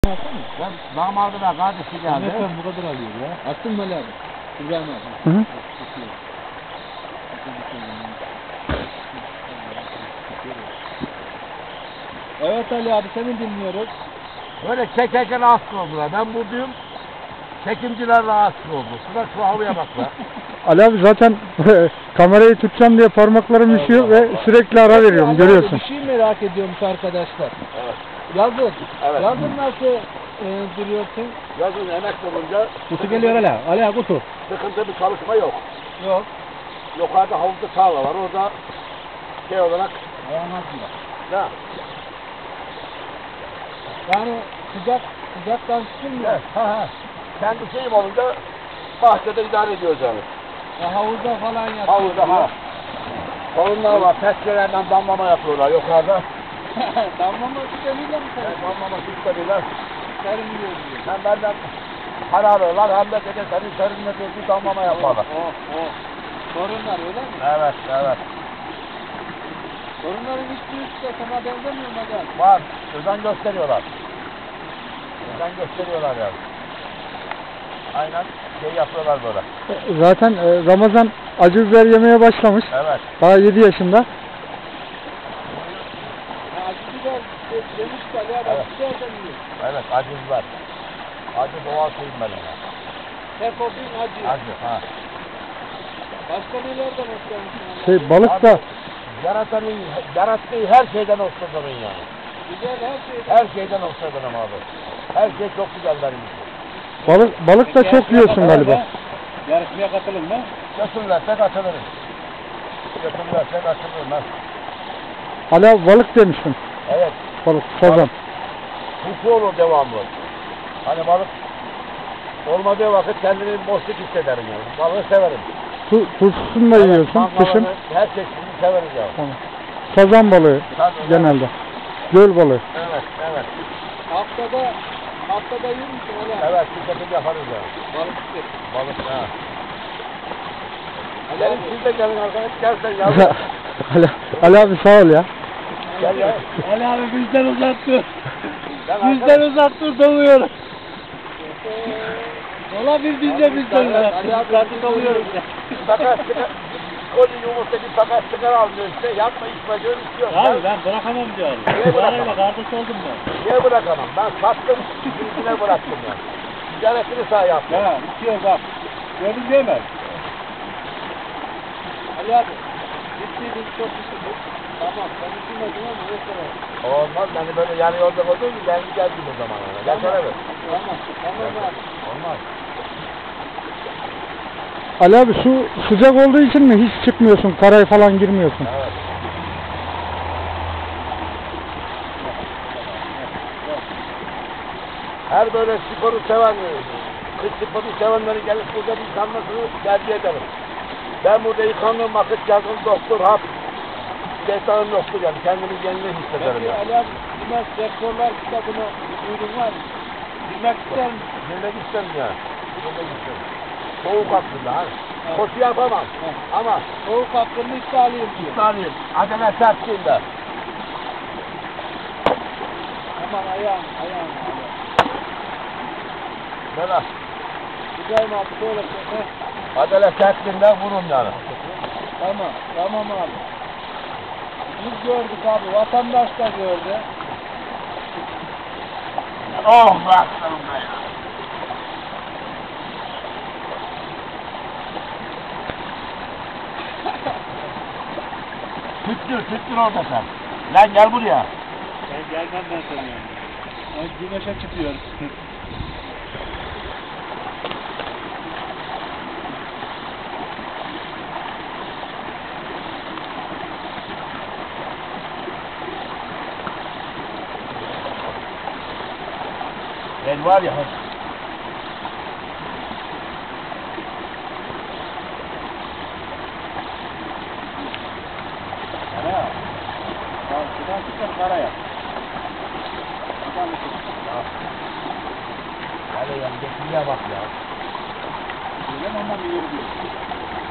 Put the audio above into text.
Ben damadına kardeşi geldi. Efendim bu kadar alıyor ya. Attın mı Ali abi? İbrahim abi. Hı hı. Evet Ali abi seni dinliyoruz. Böyle çekerken rahatsız oldular. Ben buradayım. Çekimciler rahatsız oldu. Şuna şu havaya bak be. Ali abi zaten kamerayı tutacağım diye parmaklarım üşüyor ve sürekli ara veriyorum, Ali görüyorsun. Abi, bir şey merak ediyormuş arkadaşlar. Evet. Yazın. Evet. Yazın nasıl duruyorsun? Yazın emek olunca Kutu geliyor Ali abi. Ali abi kutu. sıkıntı bir çalışma yok. Yok. Yukarıda havuzda tarla var. Orada şey olarak Ayağınızda. da. Yani sıcaktan çıkılmıyor. Evet. Ha. Kendi şeyim olunca bahçede idare ediyoruz yani. Ya havuzda falan yatıyor. Havuzda ha. Sorunlar var. Testerelerden damlama yapıyorlar yukarıda. Damlama sistemiyle mi sen? Damlama sistemiyle. Serin diyor. Hem benden para alıyorlar hem de dedi senin serinle bir damlama yaparlar. Sorunlar öyle mi? Evet, evet. Sorunların hiçbirisi de sana benzemiyor mu hocam? Var. Özen gösteriyorlar. Özen gösteriyorlar yani. Aynen şey yapıyorlar böyle. Zaten Ramazan acı biber yemeye başlamış. Evet. Daha 7 yaşında. Ya acı biber demiş ki Ali abi Evet. acı biber de yiyor. Evet, acı var. Acı doğal şeyim benim ya. Hep o gün acı. Acı, ha. Başka nelerden hoşlanmışsın? Şey, balık da Yarattığı her şeyden hoşlanırım yani. Güzel her şey. Her şeyden hoşlanırım abi. Her şey çok güzel benim için. balık da çok yiyorsun galiba. Yarışmaya katılın mı? Götürürlerse katılırım. Götürürlerse katılırım ben. Ali abi balık demiştin. Evet. Balık, sazan. Huku olur devamlı. Hani balık olmadığı vakit kendimi boşluk hissederim yani. Balığı severim. Tuzsuzunu da yiyorsun, kışın. Her çeşidini severiz ya. Tamam. Sazan balığı genelde. Göl balığı. Evet, evet. Haftada yiyor musun Ali abi? Evet, bir şekilde yaparız ya. Balık istedim. Balık ha. Ali Gelin abi. siz de gelin arkadaş, gelsen yavrum. Ali abi sağ ol ya. Gel ya. Ali abi bizden uzattı. Ben Bizden uzattı doluyoruz. Ola biz de bizden uzattı. Ali abi Uzattı doluyoruz ya. Takas çıkar. Koli yumurta bir takas çıkar almıyor işte. Yapma içme diyor istiyor. Abi ben bırakamam diyorum. Niye bırakamam? Parayla kardeş oldum ben. Niye bırakamam? Ben sattım, birisine bıraktım ya. Ticaretini sağ yaptım. Ya bitiyor bak. Gördün değil mi? Ali abi. Bittiydin çok bitirdik. Tamam sen bitirmedin ama neyse. Olmaz, beni böyle yarı yolda koyduğun gibi ben geldim o zaman yani. Gel şöyle bir. Tamam abi. Olmaz. Ali abi su sıcak olduğu için mi hiç çıkmıyorsun, karaya falan girmiyorsun? Evet. Her böyle sporu seven, kış sporu sevenleri gelip burada bir yıkanmasını tercih ederim. Ben burada yıkandığım vakit yazın doktor, hap, şeytanım yoktur yani. Kendimi yenile hissederim Peki yani. Ali abi bilmez rekorlar kitabını duydun var mı? Bilmek ister misin? Bilmek isterim yani. Bilmek isterim. Soğuk hakkında ha. Koşu yapamam. Ama Soğuk hakkında iddialıyım diyor. İsmail'im, acele sertliğinde. Aman ayağım. Böyle İbrahim abi şöyle söyle. acele sertliğinde vurun yani. Tamam abi. Biz gördük abi, vatandaş da gördü. Oh bıraktım be ya. Tüttür orada sen. Lan gel buraya. Ben gelmem ben sana yani. Ben güneşe çıkıyorum. Ben var ya. Karaya. Tamam, şuradan çıkar karaya. Hadi yan geçmeye bak ya. Öyle mi ondan bir yürü diyor.